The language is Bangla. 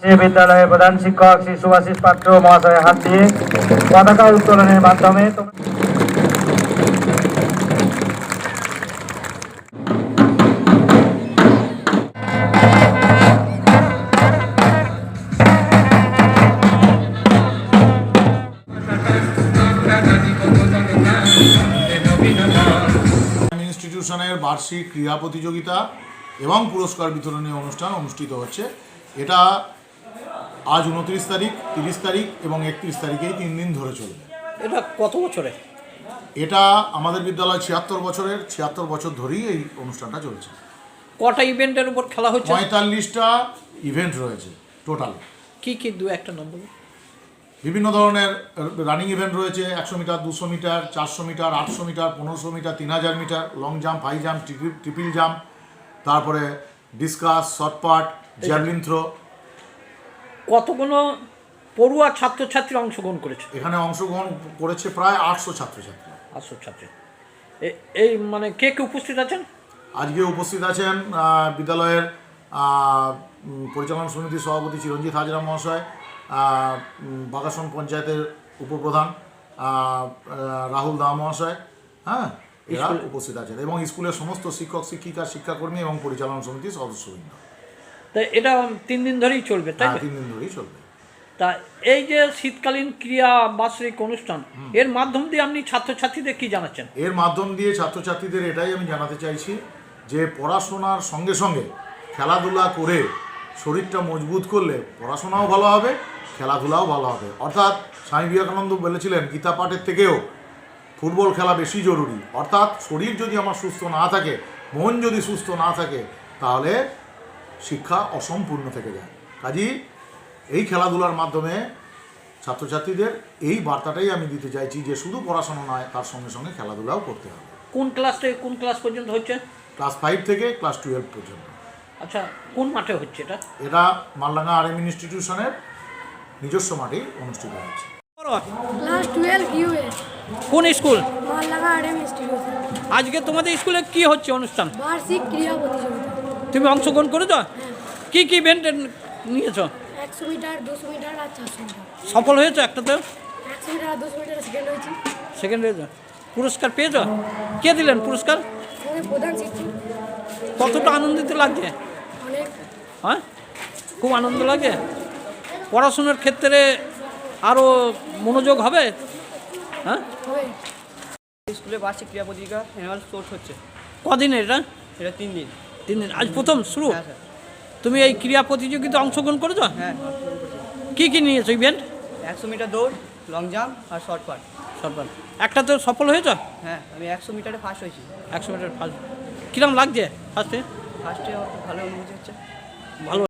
বিদ্যালয়ের প্রধান শিক্ষক শ্রী সুভাষিস পাত্র মহাশয়ের হাত দিয়ে পতাকা উত্তোলনের মাধ্যমে ইনস্টিটিউশনের বার্ষিক ক্রীড়া প্রতিযোগিতা এবং পুরস্কার বিতরণী অনুষ্ঠান অনুষ্ঠিত হচ্ছে। এটা আজ 29 তারিখ, 30 তারিখ এবং 31 তারিখেই 3 দিন ধরে চলবে। এটা কত বছরে? এটা আমাদের বিদ্যালয় 76 বছরের, 76 বছর ধরেই এই অনুষ্ঠানটা চলছে। কটা ইভেন্টের উপর খেলা হচ্ছে? 45টা ইভেন্ট রয়েছে টোটাল। কি কি দু একটা নম্বর? বিভিন্ন ধরনের রানিং ইভেন্ট রয়েছে, 100 metre, 200 metre, 400 metre, 800 metre, 1500 metre, 3000 metre, long jump, high jump, triple jump, তারপরে ডিসকাস, শর্টপাট, জ্যাভলিন থ্রো। কতগুলো পড়ুয়া ছাত্রছাত্রী অংশগ্রহণ করেছে? এখানে অংশগ্রহণ করেছে প্রায় 800 ছাত্রছাত্রী। 800 ছাত্রী। এই মানে কে কে উপস্থিত আছেন? আজকে উপস্থিত আছেন বিদ্যালয়ের পরিচালনা সমিতির সভাপতি চিরঞ্জিত হাজরা মহাশয়, বাগাসন পঞ্চায়েতের উপপ্রধান রাহুল দা মহাশয়, হ্যাঁ, এরা উপস্থিত আছেন, এবং স্কুলের সমস্ত শিক্ষক শিক্ষিকা, শিক্ষাকর্মী এবং পরিচালনা সমিতির সদস্যবৃন্দ। তা এটা 3 দিন ধরেই চলবে, তাই? 3 দিন ধরেই চলবে। তা এই যে শীতকালীন ক্রীড়া বার্ষিক অনুষ্ঠান, এর মাধ্যম দিয়ে আপনি ছাত্রছাত্রীদের কি জানাচ্ছেন? এর মাধ্যম দিয়ে ছাত্রছাত্রীদের এটাই আমি জানাতে চাইছি যে পড়াশোনার সঙ্গে সঙ্গে খেলাধুলা করে শরীরটা মজবুত করলে পড়াশোনাও ভালো হবে, খেলাধুলাও ভালো হবে। অর্থাৎ স্বামী বিবেকানন্দ বলেছিলেন গীতা পাঠের থেকেও ফুটবল খেলা বেশি জরুরি। অর্থাৎ শরীর যদি আমার সুস্থ না থাকে, মন যদি সুস্থ না থাকে, তাহলে শিক্ষা অসম্পূর্ণ থেকে যায়। কাজেই এই খেলাধুলার মাধ্যমে ছাত্রছাত্রীদের এই বার্তাটাই আমি দিতে চাইছি যে শুধু পড়াশোনা নয়, তার সঙ্গে সঙ্গে খেলাধুলাও করতে হবে। কোন ক্লাস থেকে কোন ক্লাস পর্যন্ত হচ্ছে? ক্লাস 5 থেকে ক্লাস 12 পর্যন্ত। আচ্ছা, কোন মাঠে হচ্ছে এটা? এটা মালডাঙ্গা আরএম ইনস্টিটিউশনের নিজস্ব মাঠেই অনুষ্ঠিত হচ্ছে। ক্লাস 12 ইউএস। কোন স্কুল? Maldanga RM institution. আজকে তোমাদের স্কুলে কি হচ্ছে অনুষ্ঠান? বার্ষিক ক্রীড়া প্রতিযোগিতা। তুমি অংশগ্রহণ করেছো? কি কি ইভেন্ট নিয়েছো? 100 মিটার, 200 মিটার আর 400 মিটার। সফল হয়েছো একটাতে? 100 মিটার আর 200 মিটারে সেকেন্ড হয়েছি। সেকেন্ড হয়েছো? পুরস্কার পেয়েছো? কে দিলেন পুরস্কার? আমাদের প্রধান শিক্ষক। কতটা আনন্দিত লাগছে? অনেক। হ্যাঁ, খুব আনন্দ লাগে। পড়াশোনার ক্ষেত্রে আরও মনোযোগ হবে? হ্যাঁ, হবে। স্কুলে বার্ষিক ক্রীড়া প্রতিযোগিতা অ্যানুয়াল স্পোর্টস হচ্ছে। কদিন এটা? এটা 3 দিন। 3 দিন। আজ প্রথম শুরু? হ্যাঁ স্যার। তুমি এই ক্রীড়া প্রতিযোগিতা অংশগ্রহণ করেছো? হ্যাঁ। কি কি নিয়েছো ইভেন্ট? 100 মিটার দৌড়, লং জাম্প আর শর্ট পাট। সরকার একটাতে সফল হয়েছো? হ্যাঁ, আমি 100 মিটারে ফার্স্ট হয়েছি। 100 মিটার ফার্স্ট। কিরম লাগছে ফার্স্টে? ফার্স্টে আমার খুব ভালো অনুভূতি হচ্ছে। ভালো।